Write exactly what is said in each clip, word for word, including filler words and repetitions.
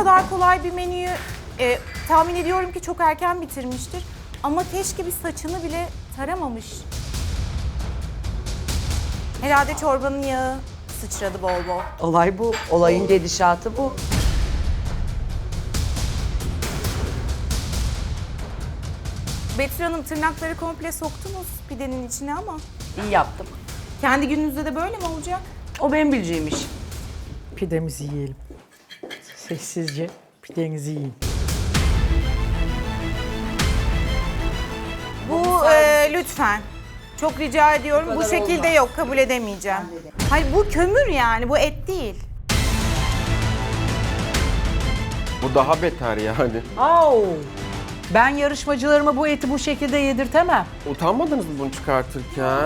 kadar kolay bir menüyü e, tahmin ediyorum ki çok erken bitirmiştir. Ama keşke bir saçını bile taramamış. Herhalde çorbanın yağı sıçradı bol bol. Olay bu. Olayın gedişatı bu. Betül Hanım, tırnakları komple soktunuz pidenin içine ama İyi yaptım. kendi gününüzde de böyle mi olacak? O benim bileceğim iş. Pidemizi yiyelim. Sessizce pidenizi yiyin. Bu e, lütfen. Çok rica ediyorum. Bu şekilde yok, kabul edemeyeceğim. Hayır, bu kömür yani, bu et değil. Bu daha beter yani. Au! Ben yarışmacılarıma bu eti bu şekilde yedirtemem. Utanmadınız mı bunu çıkartırken?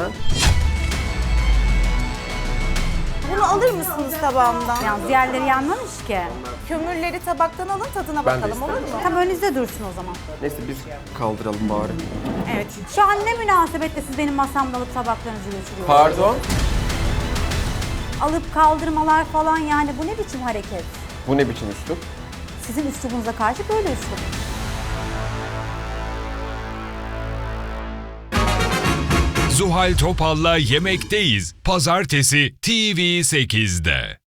Bunu alır mısınız tabağımdan? Yalnız diğerleri yanmamış ki. Kömürleri tabaktan alın, tadına Ben de bakalım, olur mu? isterim. Tam önünüzde dursun o zaman. Neyse biz kaldıralım bari. Evet. Şu an ne münasebetle siz benim masamda alıp tabaklarınızı götürüyorsunuz? Pardon. Alıp kaldırmalar falan, yani bu ne biçim hareket? Bu ne biçim üslup? Sizin üslubunuza karşı böyle üslup. Zuhal Topal'la Yemekteyiz. Pazartesi T V sekizde.